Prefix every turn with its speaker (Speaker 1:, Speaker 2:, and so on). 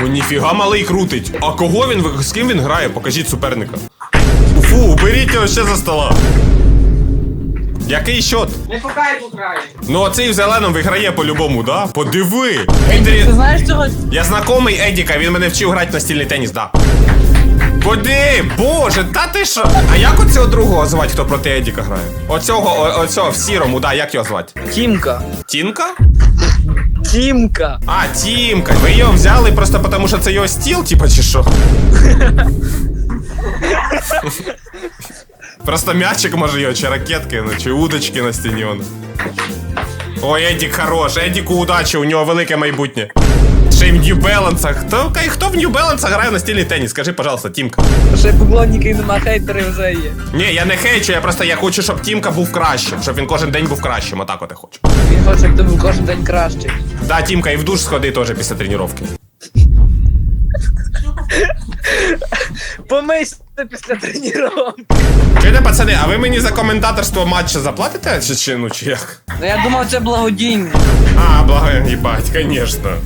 Speaker 1: О, ніфіга малий крутить. А кого він, з ким він грає? Покажіть суперника. Фу, уберіть його ще за стола. Який счет?
Speaker 2: Не по кайфу грає.
Speaker 1: Ну оцей в зеленому виграє по-любому, да? Подиви.
Speaker 3: Ти знаєш цього?
Speaker 1: Я знайомий Едіка, він мене вчив грати в настільний теніс, да. Куди? Боже, та ти що? А як оцього другого звати, хто проти Едіка грає? Оцього в сірому, да, як його звати?
Speaker 3: Тімка.
Speaker 1: Тінка?
Speaker 3: Тімка.
Speaker 1: А, Тімка. Ви його взяли просто тому, що це його стіл, типа, чи що? Просто м'ячик може його, чи ракетки, ну, чи удочки на стіні. Ой, Едік хорош, Едіку удачі, у нього велике майбутнє. Ще й в New Balance. Хто в New Balance грає в настільний теніс? Скажи, пожалуйста, Тімка.
Speaker 3: Ще поклонники нема, хейтери вже є.
Speaker 1: Ні, я не хейчу, я хочу, щоб Тімка був кращим, щоб він кожен день був кращим, отак от я хочу.
Speaker 3: Він хоче, щоб ти був кожен день кращий.
Speaker 1: Да, Тімка, і в душ сходи теж після тренування.
Speaker 3: Помийся після тренування.
Speaker 1: Чуєте, пацани, а ви мені за коментаторство матча заплатите? Чи як?
Speaker 3: Ну я думав, це благодійне.
Speaker 1: А, благо, їбать, конечно.